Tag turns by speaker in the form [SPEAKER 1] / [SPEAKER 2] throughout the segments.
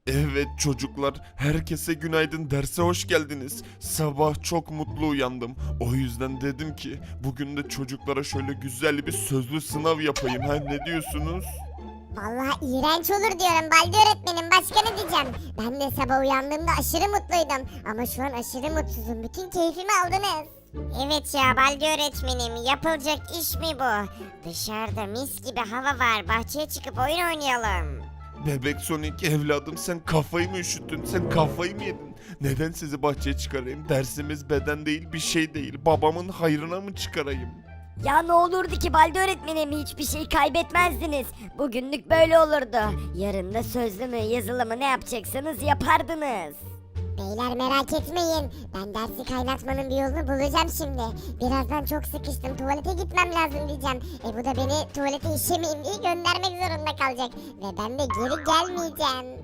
[SPEAKER 1] Evet çocuklar, herkese günaydın, derse hoş geldiniz. Sabah çok mutlu uyandım. O yüzden dedim ki bugün de çocuklara şöyle güzel bir sözlü sınav yapayım. Ha, ne diyorsunuz?
[SPEAKER 2] Vallahi iğrenç olur diyorum Baldi öğretmenim, başka ne diyeceğim? Ben de sabah uyandığımda aşırı mutluydum ama şu an aşırı mutsuzum, bütün keyfimi aldınız.
[SPEAKER 3] Evet ya Baldi öğretmenim, yapılacak iş mi bu? Dışarıda mis gibi hava var, bahçeye çıkıp oyun oynayalım.
[SPEAKER 1] Bebek Sonic evladım, sen kafayı mı üşüttün? Sen kafayı mı yedin? Neden sizi bahçeye çıkarayım? Dersimiz beden değil, bir şey değil. Babamın hayrına mı çıkarayım?
[SPEAKER 4] Ya ne olurdu ki Balde öğretmenim, hiçbir şey kaybetmezdiniz. Bugünlük böyle olurdu. Yarın da sözlü mü yazılı mı ne yapacaksanız yapardınız.
[SPEAKER 2] Beyler merak etmeyin, ben dersi kaynatmanın bir yolunu bulacağım şimdi. Birazdan çok sıkıştım, tuvalete gitmem lazım diyeceğim. Bu da beni tuvalete işemeyeyim diye göndermek zorunda kalacak. Ve ben de geri gelmeyeceğim.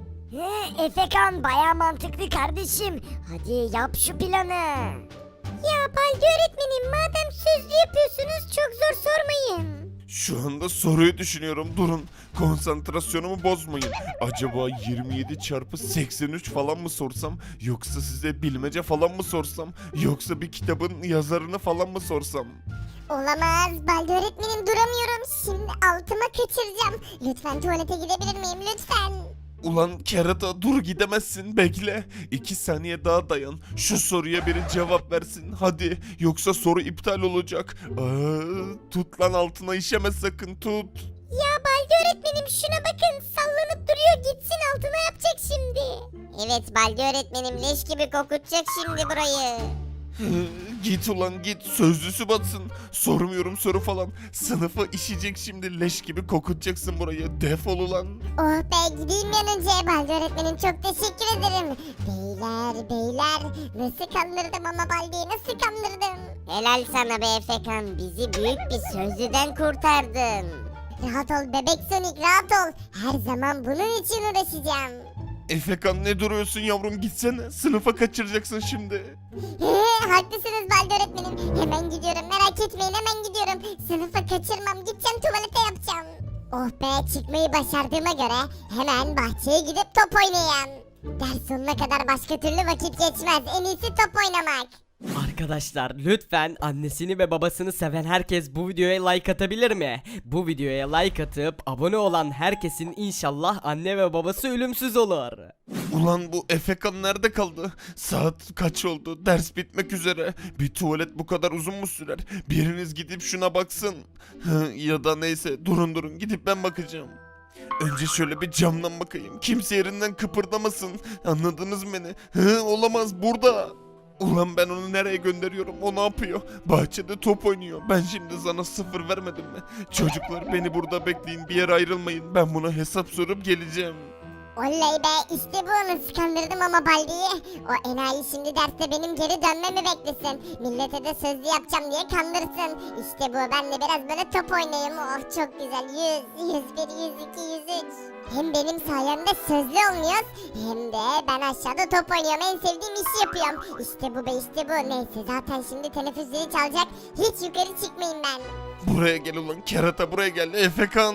[SPEAKER 4] Efekan baya mantıklı kardeşim. Hadi yap şu planı.
[SPEAKER 3] Ya Baldi öğretmenim, madem sözlü yapıyorsunuz çok zor sormayın.
[SPEAKER 1] Şu anda soruyu düşünüyorum. Durun. Konsantrasyonumu bozmayın. Acaba 27 çarpı 83 falan mı sorsam? Yoksa size bilmece falan mı sorsam? Yoksa bir kitabın yazarını falan mı sorsam?
[SPEAKER 2] Olamaz, Baldi öğretmenim, duramıyorum. Şimdi altıma kaçıracağım. Lütfen tuvalete gidebilir miyim, lütfen?
[SPEAKER 1] Ulan kerata, dur, gidemezsin, bekle. 2 saniye daha dayan. Şu soruya biri cevap versin hadi. Yoksa soru iptal olacak. Tut lan, altına işeme sakın, tut.
[SPEAKER 3] Ya Baldi öğretmenim, şuna bakın, sallanıp duruyor, gitsin altına yapacak şimdi. Evet Baldi öğretmenim, leş gibi kokutacak şimdi burayı.
[SPEAKER 1] Git ulan git, sözlüsü batsın. Sormuyorum soru falan. Sınıfa işecek şimdi, leş gibi kokutacaksın burayı. Defol ulan.
[SPEAKER 2] Oh be, gideyim bir an önce. Baldi öğretmenim, çok teşekkür ederim. Beyler nasıl kandırdım ama Baldi'yi nasıl kandırdım?
[SPEAKER 3] Helal sana be Efekan, bizi büyük bir sözlüden kurtardın.
[SPEAKER 2] Rahat ol bebek Sonic, rahat ol. Her zaman bunun için uğraşacağım.
[SPEAKER 1] Efekan, ne duruyorsun yavrum, gitsene. Sınıfa kaçıracaksın şimdi.
[SPEAKER 2] Haklısınız Baldi öğretmenim. Hemen gidiyorum, merak etmeyin, hemen gidiyorum. Sınıfa kaçırmam, gideceğim, tuvalete yapacağım. Oh be, çıkmayı başardığıma göre hemen bahçeye gidip top oynayayım. Ders sonuna kadar başka türlü vakit geçmez. En iyisi top oynamak.
[SPEAKER 5] Arkadaşlar lütfen annesini ve babasını seven herkes bu videoya like atabilir mi? Bu videoya like atıp abone olan herkesin inşallah anne ve babası ölümsüz olur.
[SPEAKER 1] Ulan bu Efekan nerede kaldı? Saat kaç oldu? Ders bitmek üzere. Bir tuvalet bu kadar uzun mu sürer? Biriniz gidip şuna baksın. Ya da neyse, durun gidip ben bakacağım. Önce şöyle bir camdan bakayım. Kimse yerinden kıpırdamasın. Anladınız mı beni? Olamaz, burada. Ulan ben onu nereye gönderiyorum? O ne yapıyor? Bahçede top oynuyor. Ben şimdi sana 0 vermedim mi? Çocuklar, beni burada bekleyin. Bir yere ayrılmayın. Ben buna hesap sorup geleceğim.
[SPEAKER 2] Oley be, işte bu, nasıl kandırdım ama Baldi'yi. O enayi şimdi derste benim geri dönmemi beklesin. Millete de sözlü yapacağım diye kandırsın. İşte bu, ben de biraz böyle top oynayayım. Oh çok güzel, 100, 101, 102, 103. Hem benim sayemde sözlü olmuyoruz, hem de ben aşağıda top oynuyorum, en sevdiğim işi yapıyorum. İşte bu be, işte bu. Neyse, zaten şimdi teneffüs zili çalacak, hiç yukarı çıkmayayım ben.
[SPEAKER 1] Buraya gel ulan kerata, buraya gel. Efekan.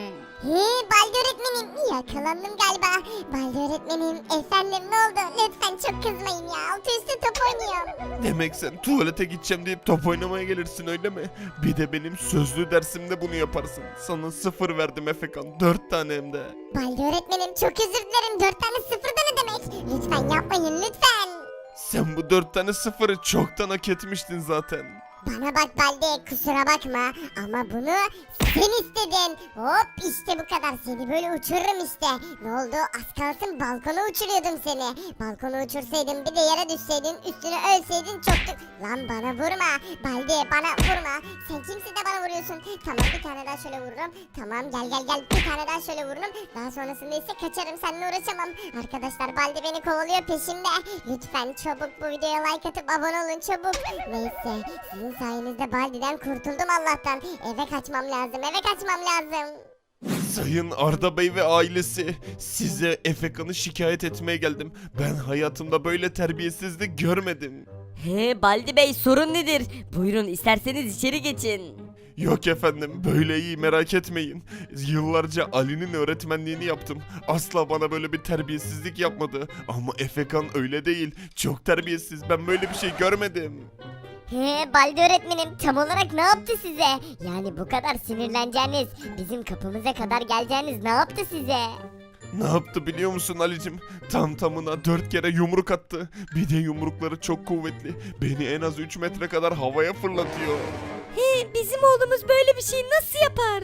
[SPEAKER 2] Baldi öğretmenim, yakalandım galiba. Baldi öğretmenim, efendim, ne oldu? Lütfen çok kızmayın ya, altı üstü top oynuyorum.
[SPEAKER 1] Demek sen tuvalete gideceğim deyip top oynamaya gelirsin, öyle mi? Bir de benim sözlü dersimde bunu yaparsın. Sana 0 verdim Efekan, 4 tane hem de.
[SPEAKER 2] Baldi öğretmenim, çok özür dilerim, 4 tane sıfır da ne demek? Lütfen yapmayın, lütfen.
[SPEAKER 1] Sen bu 4 tane 0'ı çoktan hak etmiştin zaten.
[SPEAKER 2] Bana bak Baldi, kusura bakma ama bunu sen istedin. Hop, işte bu kadar, seni böyle uçururum işte. Ne oldu, az kalsın balkona uçuruyordum seni. Balkona uçursaydım, bir de yere düşseydin, üstüne ölseydin çoktu. Lan bana vurma Baldi, bana vurma. Sen kimsin de bana vuruyorsun? Tamam, bir tane daha şöyle vururum. Tamam, gel bir tane daha şöyle vururum. Daha sonrasında ise kaçarım, seninle uğraşamam. Arkadaşlar, Baldi beni kovalıyor, peşimde. Lütfen çabuk bu videoya like atıp abone olun, çabuk. Neyse, sizin sayenizde Baldi'den kurtuldum Allah'tan. Eve kaçmam lazım, eve kaçmam lazım.
[SPEAKER 1] Sayın Arda Bey ve ailesi, size Efekan'ı şikayet etmeye geldim. Ben hayatımda böyle terbiyesizlik görmedim.
[SPEAKER 4] Baldi Bey, sorun nedir? Buyurun, isterseniz içeri geçin.
[SPEAKER 1] Yok efendim, böyle iyi, merak etmeyin. Yıllarca Ali'nin öğretmenliğini yaptım. Asla bana böyle bir terbiyesizlik yapmadı. Ama Efekan öyle değil. Çok terbiyesiz. Ben böyle bir şey görmedim.
[SPEAKER 3] Baldi öğretmenim tam olarak ne yaptı size? Yani bu kadar sinirleneceğiniz, bizim kapımıza kadar geleceğiniz ne yaptı size?
[SPEAKER 1] Ne yaptı biliyor musun Ali'cim? Tam tamına 4 kere yumruk attı. Bir de yumrukları çok kuvvetli. Beni en az 3 metre kadar havaya fırlatıyor.
[SPEAKER 4] Bizim oğlumuz böyle bir şey nasıl yapar?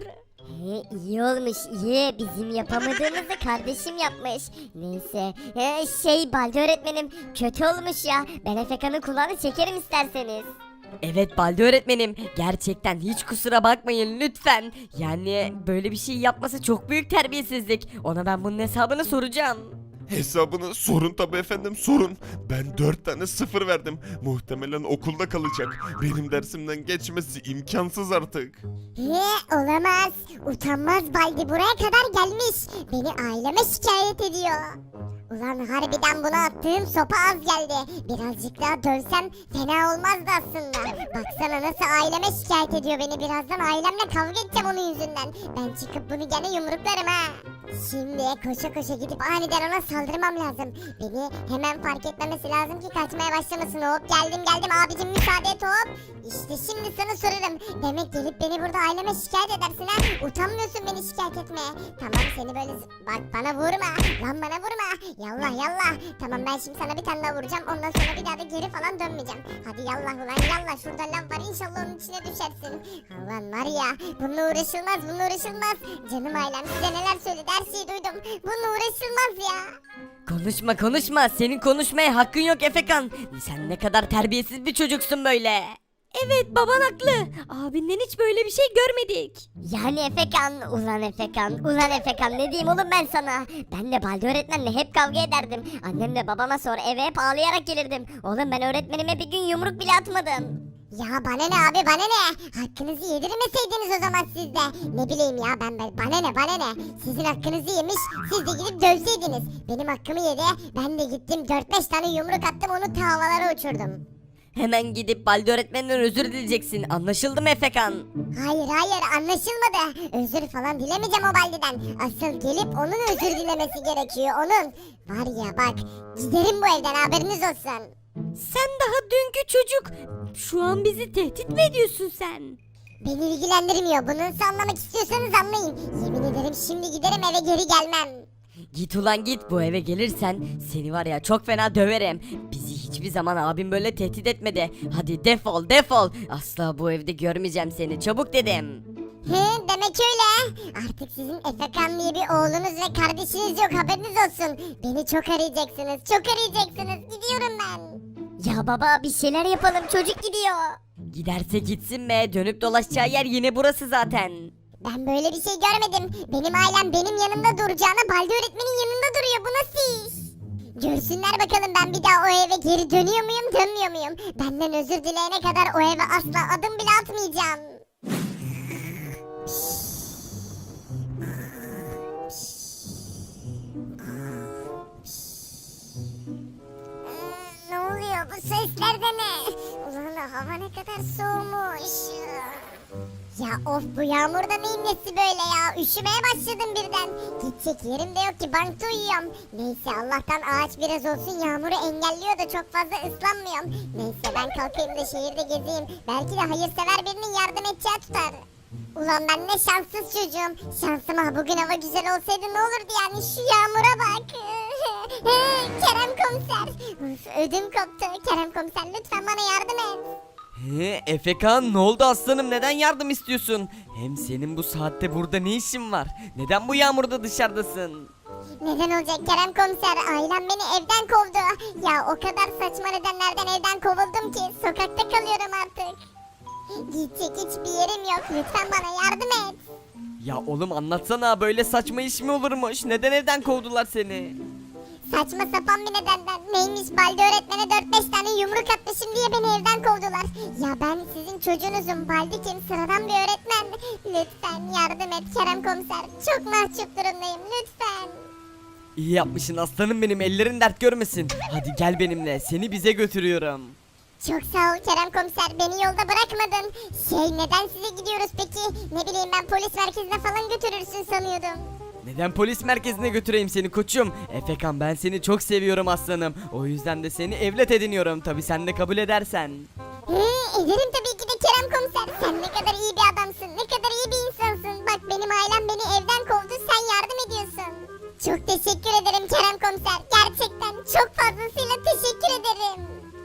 [SPEAKER 3] İyi olmuş iyi, bizim yapamadığımızı kardeşim yapmış. Neyse Baldi öğretmenim kötü olmuş ya, ben Efekan'ın kulağını çekerim isterseniz.
[SPEAKER 4] Evet Baldi öğretmenim, gerçekten hiç kusura bakmayın lütfen. Yani böyle bir şey yapması çok büyük terbiyesizlik. Ona ben bunun hesabını soracağım.
[SPEAKER 1] Hesabını sorun tabi efendim, sorun. Ben 4 tane 0 verdim. Muhtemelen okulda kalacak. Benim dersimden geçmesi imkansız artık.
[SPEAKER 2] Olamaz. Utanmaz Baldi buraya kadar gelmiş. Beni aileme şikayet ediyor. Ulan harbiden buna attığım sopa az geldi. Birazcık daha dövsem fena olmazdı aslında. Baksana nasıl aileme şikayet ediyor beni. Birazdan ailemle kavga edeceğim onun yüzünden. Ben çıkıp bunu gene yumruklarım ha. Şimdi koşa koşa gidip aniden ona saldırmam lazım. Beni hemen fark etmemesi lazım ki kaçmaya başlamasın. Hop geldim abicim, müsaade et hop. İşte şimdi sana sorarım. Demek gelip beni burada aileme şikayet edersin ha. Utanmıyorsun beni şikayet etmeye. Tamam seni böyle bak bana vurma. Lan bana vurma. Yallah yallah. Tamam ben şimdi sana bir tane daha vuracağım. Ondan sonra bir daha da geri falan dönmeyeceğim. Hadi yallah ulan yallah. Şurada lav var, inşallah onun içine düşersin. Ulan var ya, bununla uğraşılmaz, bununla uğraşılmaz. Canım ailem size neler söyledi, her şeyi duydum. Bununla uğraşılmaz ya.
[SPEAKER 4] Konuşma, senin konuşmaya hakkın yok Efekan. Sen ne kadar terbiyesiz bir çocuksun böyle. Evet baban haklı. Abinden hiç böyle bir şey görmedik.
[SPEAKER 3] Yani Efekan, ulan Efekan ne diyeyim oğlum ben sana? Ben de Baldi öğretmenle hep kavga ederdim. Annemle babama sonra eve hep ağlayarak gelirdim. Oğlum ben öğretmenime bir gün yumruk bile atmadım.
[SPEAKER 2] Ya bana ne abi, bana ne? Hakkınızı yedirmeseydiniz o zaman siz de. Ne bileyim ya bana ne? Sizin hakkınızı yemiş, siz de gidip dövseydiniz. Benim hakkımı yedi, ben de gittim 4-5 tane yumruk attım, onu ta havalara uçurdum.
[SPEAKER 4] Hemen gidip Baldi öğretmenden özür dileyeceksin. Anlaşıldı mı Efekan?
[SPEAKER 2] Hayır anlaşılmadı. Özür falan dilemeyeceğim o Baldi'den. Asıl gelip onun özür dilemesi gerekiyor, onun. Var ya bak, giderim bu evden, haberiniz olsun.
[SPEAKER 4] Sen daha dünkü çocuk. Şu an bizi tehdit mi ediyorsun sen?
[SPEAKER 2] Beni ilgilendirmiyor, bunu nasıl anlamak istiyorsanız anlayın. Yemin ederim şimdi giderim, eve geri gelmem.
[SPEAKER 4] Git ulan git, bu eve gelirsen seni var ya çok fena döverim. Bizi hiçbir zaman abim böyle tehdit etmedi. Hadi defol. Asla bu evde görmeyeceğim seni, çabuk dedim.
[SPEAKER 2] Demek öyle. Artık sizin Efekan diye bir oğlunuz ve kardeşiniz yok, haberiniz olsun. Beni çok arayacaksınız. Gidiyorum ben.
[SPEAKER 3] Ya baba bir şeyler yapalım, çocuk gidiyor.
[SPEAKER 4] Giderse gitsin be, dönüp dolaşacağı yer yine burası zaten.
[SPEAKER 2] Ben böyle bir şey görmedim. Benim ailem benim yanımda duracağına Baldi öğretmenin yanında duruyor. Bu nasıl iş? Görsünler bakalım ben bir daha o eve geri dönüyor muyum, dönmüyor muyum? Benden özür dileyene kadar o eve asla adım bile atmayacağım. Ne oluyor, bu sesler de ne? Ulan hava ne kadar soğumuş. Ya of, bu yağmurda neyin nesi böyle ya? Üşümeye başladım birden. Gidecek yerim de yok ki, bankta uyuyorum. Neyse Allah'tan ağaç biraz olsun yağmuru engelliyor da çok fazla ıslanmıyorum. Neyse ben kalkayım da şehirde gezeyim. Belki de hayırsever birinin yardım edeceği tutar. Ulan ben ne şanssız çocuğum. Şansıma bugün hava güzel olsaydı ne olurdu yani, şu yağmura bak. Kerem komiser. Uf, ödüm koptu. Kerem komiser lütfen bana yardım et.
[SPEAKER 5] Efekan ne oldu aslanım, neden yardım istiyorsun? Hem senin bu saatte burada ne işin var? Neden bu yağmurda dışarıdasın?
[SPEAKER 2] Neden olacak Kerem komiser? Ailem beni evden kovdu. Ya o kadar saçma nedenlerden evden kovuldum ki sokakta kalıyorum artık. Gidecek hiçbir yerim yok. Lütfen bana yardım et.
[SPEAKER 5] Ya oğlum anlatsana, böyle saçma iş mi olurmuş? Neden evden kovdular seni?
[SPEAKER 2] Saçma sapan bir nedenden. Neymiş, Baldi öğretmene 4-5 tane yumruk atmışım diye beni evden kovdular. Ya ben sizin çocuğunuzum. Baldi kim? Sıradan bir öğretmen. Lütfen yardım et Kerem komiser. Çok mahcup durumdayım, lütfen.
[SPEAKER 5] İyi yapmışsın aslanım benim, ellerin dert görmesin. Hadi gel benimle, seni bize götürüyorum.
[SPEAKER 2] Çok sağ ol Kerem komiser, beni yolda bırakmadın. Neden size gidiyoruz peki? Ne bileyim, ben polis merkezine falan götürürsün sanıyordum.
[SPEAKER 5] Neden polis merkezine götüreyim seni koçum? Efekan ben seni çok seviyorum aslanım. O yüzden de seni evlat ediniyorum. Tabi sen de kabul edersen.
[SPEAKER 2] Ederim tabii ki de Kerem komiser. Sen ne kadar iyi bir adamsın, ne kadar iyi bir insansın. Bak benim ailem beni evden kovdu, sen yardım ediyorsun. Çok teşekkür ederim Kerem komiser. Gerçekten çok fazlasıyla teşekkür ederim.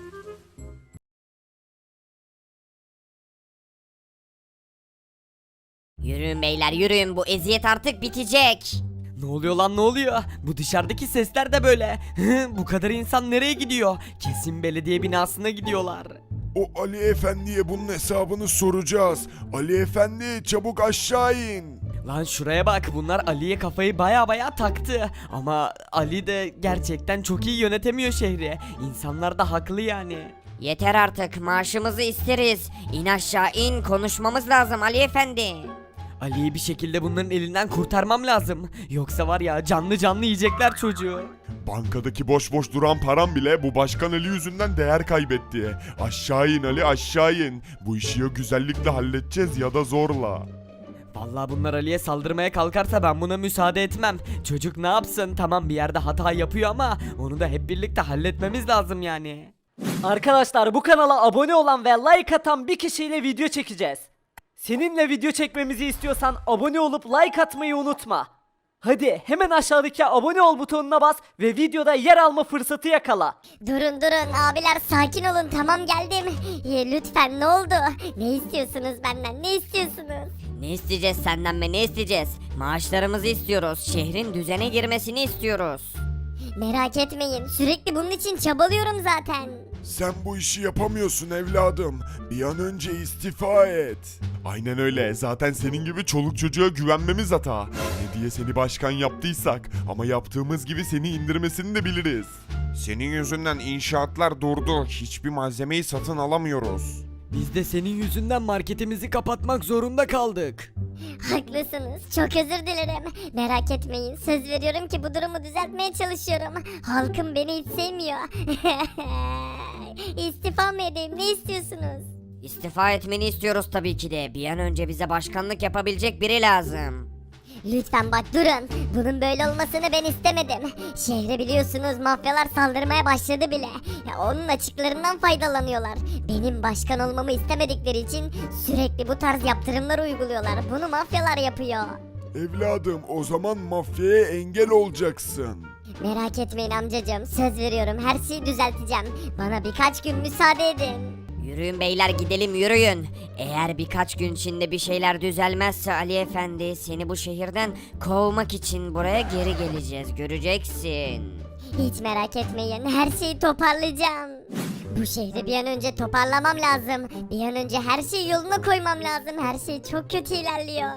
[SPEAKER 3] Yürüyün beyler yürüyün, bu eziyet artık bitecek.
[SPEAKER 5] Ne oluyor lan ne oluyor? Bu dışarıdaki sesler de böyle. Bu kadar insan nereye gidiyor? Kesin belediye binasına gidiyorlar.
[SPEAKER 6] O Ali Efendi'ye bunun hesabını soracağız. Ali Efendi çabuk aşağı in.
[SPEAKER 5] Lan şuraya bak, bunlar Ali'ye kafayı baya taktı. Ama Ali de gerçekten çok iyi yönetemiyor şehri. İnsanlar da haklı yani.
[SPEAKER 3] Yeter artık, maaşımızı isteriz. İn aşağı in, konuşmamız lazım Ali Efendi.
[SPEAKER 5] Ali'yi bir şekilde bunların elinden kurtarmam lazım. Yoksa var ya canlı canlı yiyecekler çocuğu.
[SPEAKER 6] Bankadaki boş boş duran param bile bu başkan Ali yüzünden değer kaybetti. Aşağı in Ali, aşağı in. Bu işi ya güzellikle halledeceğiz ya da zorla.
[SPEAKER 5] Vallahi bunlar Ali'ye saldırmaya kalkarsa ben buna müsaade etmem. Çocuk ne yapsın? Tamam bir yerde hata yapıyor ama onu da hep birlikte halletmemiz lazım yani.
[SPEAKER 7] Arkadaşlar bu kanala abone olan ve like atan bir kişiyle video çekeceğiz. Seninle video çekmemizi istiyorsan abone olup like atmayı unutma. Hadi hemen aşağıdaki abone ol butonuna bas ve videoda yer alma fırsatı yakala.
[SPEAKER 3] Durun abiler, sakin olun, tamam geldim. Lütfen, ne oldu? Ne istiyorsunuz benden, ne istiyorsunuz? Ne isteyeceğiz senden be, ne isteyeceğiz? Maaşlarımızı istiyoruz, şehrin düzene girmesini istiyoruz. Merak etmeyin, sürekli bunun için çabalıyorum zaten.
[SPEAKER 6] Sen bu işi yapamıyorsun evladım. Bir an önce istifa et.
[SPEAKER 1] Aynen öyle. Zaten senin gibi çoluk çocuğa güvenmemiz hata. Ne diye seni başkan yaptıysak ama yaptığımız gibi seni indirmesini de biliriz. Senin yüzünden inşaatlar durdu. Hiçbir malzemeyi satın alamıyoruz.
[SPEAKER 5] Biz de senin yüzünden marketimizi kapatmak zorunda kaldık.
[SPEAKER 3] Haklısınız, çok özür dilerim. Merak etmeyin, söz veriyorum ki bu durumu düzeltmeye çalışıyorum. Halkım beni hiç sevmiyor. İstifa mı edeyim, ne istiyorsunuz? İstifa etmeni istiyoruz tabii ki de. Bir an önce bize başkanlık yapabilecek biri lazım. Lütfen bak durun. Bunun böyle olmasını ben istemedim. Şehre biliyorsunuz mafyalar saldırmaya başladı bile. Ya onun açıklarından faydalanıyorlar. Benim başkan olmamı istemedikleri için sürekli bu tarz yaptırımlar uyguluyorlar. Bunu mafyalar yapıyor.
[SPEAKER 6] Evladım o zaman mafyaya engel olacaksın.
[SPEAKER 3] Merak etmeyin amcacığım. Söz veriyorum, her şeyi düzelteceğim. Bana birkaç gün müsaade edin. Yürüyün beyler, gidelim yürüyün. Eğer birkaç gün içinde bir şeyler düzelmezse Ali Efendi, seni bu şehirden kovmak için buraya geri geleceğiz, göreceksin. Hiç merak etmeyin, her şeyi toparlayacağım. Bu şehri bir an önce toparlamam lazım. Bir an önce her şeyi yoluna koymam lazım. Her şey çok kötü ilerliyor.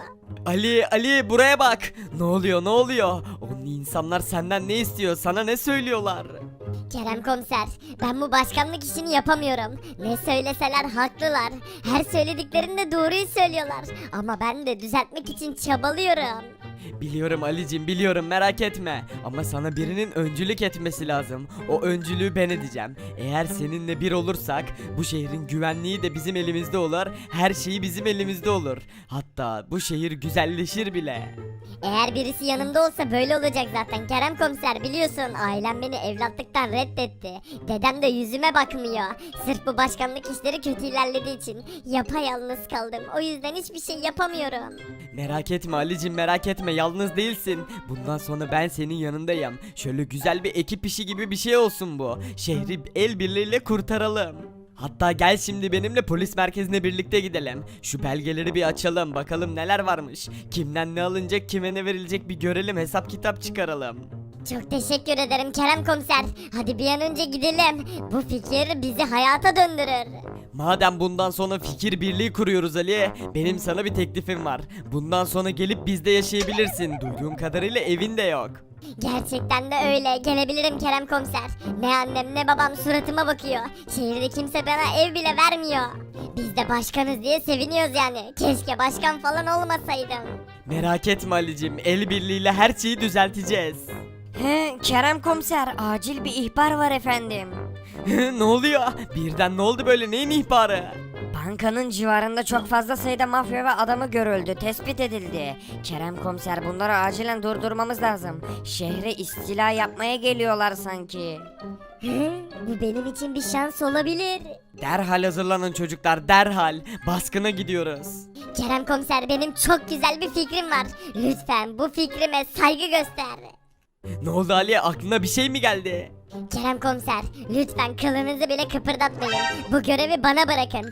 [SPEAKER 5] Ali buraya bak. Ne oluyor? Onun insanlar senden ne istiyor? Sana ne söylüyorlar?
[SPEAKER 3] Kerem komiser, ben bu başkanlık işini yapamıyorum. Ne söyleseler haklılar. Her söylediklerinde doğruyu söylüyorlar. Ama ben de düzeltmek için çabalıyorum.
[SPEAKER 5] Biliyorum Ali'cim, biliyorum, merak etme. Ama sana birinin öncülük etmesi lazım. O öncülüğü ben edeceğim. Eğer seninle bir olursak bu şehrin güvenliği de bizim elimizde olur. Her şeyi bizim elimizde olur. Hatta bu şehir güzelleşir bile.
[SPEAKER 3] Eğer birisi yanımda olsa böyle olacak zaten Kerem komiser, biliyorsun ailem beni evlatlıktan reddetti. Dedem de yüzüme bakmıyor. Sırf bu başkanlık işleri kötü ilerlediği için yapayalnız kaldım. O yüzden hiçbir şey yapamıyorum.
[SPEAKER 5] Merak etme Ali'cim, merak etme, yalnız değilsin. Bundan sonra ben senin yanındayım. Şöyle güzel bir ekip işi gibi bir şey olsun bu. Şehri el birliğiyle kurtaralım. Hatta gel şimdi benimle polis merkezine birlikte gidelim. Şu belgeleri bir açalım, bakalım neler varmış. Kimden ne alınacak, kime ne verilecek bir görelim, hesap kitap çıkaralım.
[SPEAKER 3] Çok teşekkür ederim Kerem komiser. Hadi bir an önce gidelim. Bu fikir bizi hayata döndürür.
[SPEAKER 5] Madem bundan sonra fikir birliği kuruyoruz Ali, benim sana bir teklifim var. Bundan sonra gelip bizde yaşayabilirsin. Duyduğum kadarıyla evin de yok.
[SPEAKER 3] Gerçekten de öyle. Gelebilirim Kerem komiser. Ne annem ne babam suratıma bakıyor. Şehirde kimse bana ev bile vermiyor. Biz de başkanız diye seviniyoruz yani. Keşke başkan falan olmasaydım.
[SPEAKER 5] Merak etme Ali'cim, el birliğiyle her şeyi düzelteceğiz.
[SPEAKER 4] He, Kerem komiser, acil bir ihbar var efendim.
[SPEAKER 5] Ne oluyor? Birden ne oldu böyle, neyin ihbarı?
[SPEAKER 4] Bankanın civarında çok fazla sayıda mafya ve adamı görüldü, tespit edildi. Kerem komiser, bunları acilen durdurmamız lazım. Şehre istila yapmaya geliyorlar sanki.
[SPEAKER 3] Bu benim için bir şans olabilir.
[SPEAKER 5] Derhal hazırlanın çocuklar, derhal. Baskına gidiyoruz.
[SPEAKER 3] Kerem komiser, benim çok güzel bir fikrim var. Lütfen bu fikrime saygı göster.
[SPEAKER 5] Ne oldu Ali, aklına bir şey mi geldi?
[SPEAKER 3] Kerem komiser, lütfen kılınızı bile kıpırdatmayın. Bu görevi bana bırakın.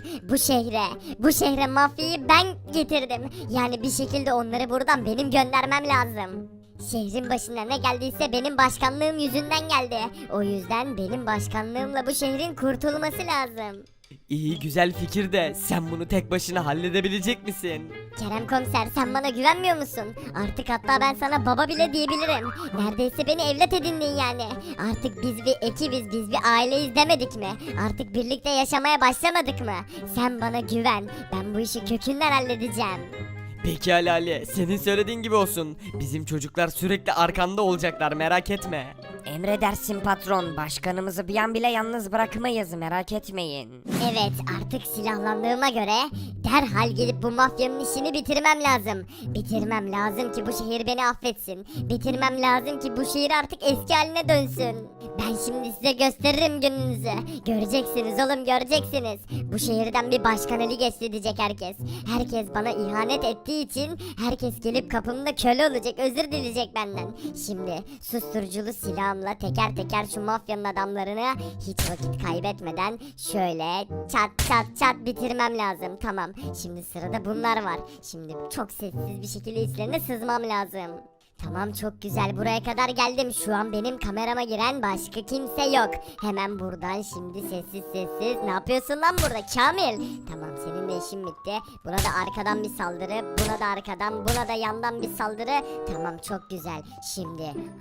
[SPEAKER 3] Bu şehre mafyayı ben getirdim. Yani bir şekilde onları buradan benim göndermem lazım. Şehrin başına ne geldiyse benim başkanlığım yüzünden geldi. O yüzden benim başkanlığımla bu şehrin kurtulması lazım.
[SPEAKER 5] İyi, güzel fikir de sen bunu tek başına halledebilecek misin?
[SPEAKER 3] Kerem komiser, sen bana güvenmiyor musun? Artık hatta ben sana baba bile diyebilirim. Neredeyse beni evlat edindin yani. Artık biz bir ekibiz, biz bir aileyiz demedik mi? Artık birlikte yaşamaya başlamadık mı? Sen bana güven. Ben bu işi kökünden halledeceğim.
[SPEAKER 5] Peki Ali, senin söylediğin gibi olsun. Bizim çocuklar sürekli arkanda olacaklar, merak etme.
[SPEAKER 4] Emredersin patron, başkanımızı bir an bile yalnız bırakmayız, merak etmeyin.
[SPEAKER 3] Evet, artık silahlandığıma göre derhal gidip bu mafyanın işini bitirmem lazım. Bitirmem lazım ki bu şehir beni affetsin. Bitirmem lazım ki bu şehir artık eski haline dönsün. Ben şimdi size gösteririm gününüzü. Göreceksiniz oğlum, göreceksiniz. Bu şehirden bir başkan eli geçti diyecek herkes. Herkes bana ihanet ettiği için herkes gelip kapımda köle olacak, özür dileyecek benden. Şimdi susturuculu silahımla teker teker şu mafyanın adamlarını hiç vakit kaybetmeden şöyle çat çat çat bitirmem lazım. Tamam, şimdi sırada bunlar var. Şimdi çok sessiz bir şekilde içlerine sızmam lazım. Tamam, çok güzel, buraya kadar geldim. Şu an benim kamerama giren başka kimse yok. Hemen buradan şimdi sessiz sessiz. Ne yapıyorsun lan burada Kamil? Tamam, senin de işin bitti. Buna da arkadan bir saldırı. Buna da arkadan, buna da yandan bir saldırı. Tamam, çok güzel. Şimdi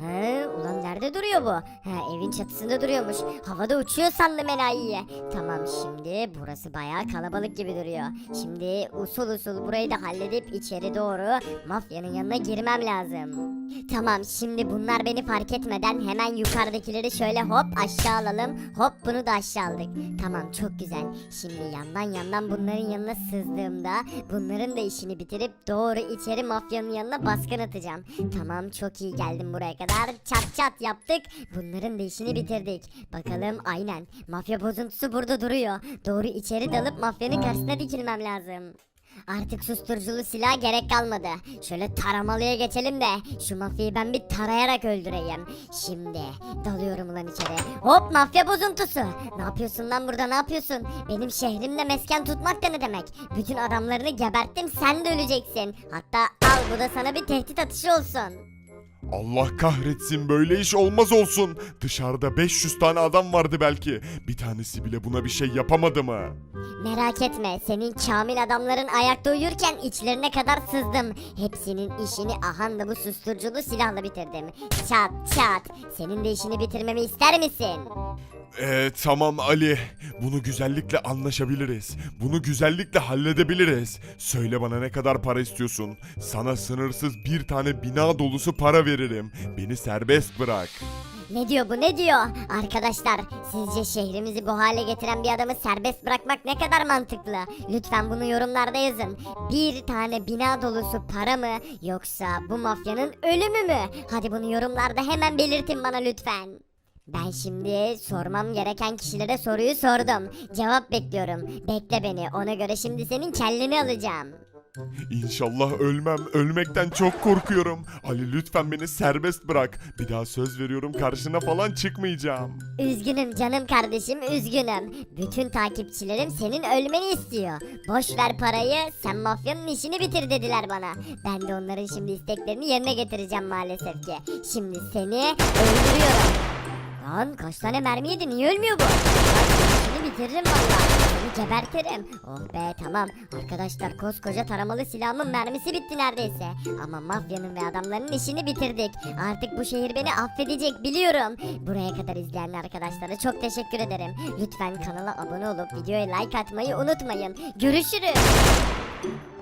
[SPEAKER 3] ulan nerede duruyor bu? Evin çatısında duruyormuş. Havada uçuyor sandım enayiye. Tamam, şimdi burası bayağı kalabalık gibi duruyor. Şimdi usul usul burayı da halledip içeri doğru mafyanın yanına girmem lazım. Tamam, şimdi bunlar beni fark etmeden hemen yukarıdakileri şöyle hop aşağı alalım. Hop, bunu da aşağı aldık. Tamam, çok güzel. Şimdi yandan bunların yanına sızdığımda bunların da işini bitirip doğru içeri mafyanın yanına baskın atacağım. Tamam, çok iyi, geldim buraya kadar. Çat çat yaptık. Bunların da işini bitirdik. Bakalım, aynen. Mafya bozuntusu burada duruyor. Doğru içeri dalıp mafyanın karşısına dikilmem lazım. Artık susturuculu silah gerek kalmadı. Şöyle taramalıya geçelim de şu mafyayı ben bir tarayarak öldüreyim. Şimdi dalıyorum ulan içeri. Hop, mafya bozuntusu. Ne yapıyorsun lan burada, ne yapıyorsun? Benim şehrimde mesken tutmak da ne demek? Bütün adamlarını geberttim, sen de öleceksin. Hatta al, bu da sana bir tehdit atışı olsun.
[SPEAKER 6] Allah kahretsin, böyle iş olmaz olsun. Dışarıda 500 tane adam vardı belki. Bir tanesi bile buna bir şey yapamadı mı?
[SPEAKER 3] Merak etme, senin Kamil adamların ayakta uyurken içlerine kadar sızdım. Hepsinin işini ahanda bu susturuculu silahla bitirdim. Çat çat. Senin de işini bitirmemi ister misin?
[SPEAKER 6] Tamam Ali. Bunu güzellikle anlaşabiliriz. Bunu güzellikle halledebiliriz. Söyle bana, ne kadar para istiyorsun? Sana sınırsız bir tane bina dolusu para veririm. Beni serbest bırak.
[SPEAKER 3] Ne diyor bu, ne diyor? Arkadaşlar, sizce şehrimizi bu hale getiren bir adamı serbest bırakmak ne kadar mantıklı? Lütfen bunu yorumlarda yazın. Bir tane bina dolusu para mı, yoksa bu mafyanın ölümü mü? Hadi bunu yorumlarda hemen belirtin bana lütfen. Ben şimdi sormam gereken kişilere soruyu sordum. Cevap bekliyorum. Bekle beni, ona göre şimdi senin kelleni alacağım.
[SPEAKER 6] İnşallah ölmem. Ölmekten çok korkuyorum. Ali, lütfen beni serbest bırak. Bir daha söz veriyorum, karşına falan çıkmayacağım.
[SPEAKER 3] Üzgünüm canım kardeşim, üzgünüm. Bütün takipçilerim senin ölmeni istiyor. Boş ver parayı, sen mafyanın işini bitir dediler bana. Ben de onların şimdi isteklerini yerine getireceğim maalesef ki. Şimdi seni öldürüyorum. Lan kaç tane mermi yedi, niye ölmüyor bu? Seni bitiririm valla. Seni gebertirim. Oh be, tamam. Arkadaşlar, koskoca taramalı silahımın mermisi bitti neredeyse. Ama mafyanın ve adamların işini bitirdik. Artık bu şehir beni affedecek, biliyorum. Buraya kadar izleyen arkadaşlara çok teşekkür ederim. Lütfen kanala abone olup videoya like atmayı unutmayın. Görüşürüz.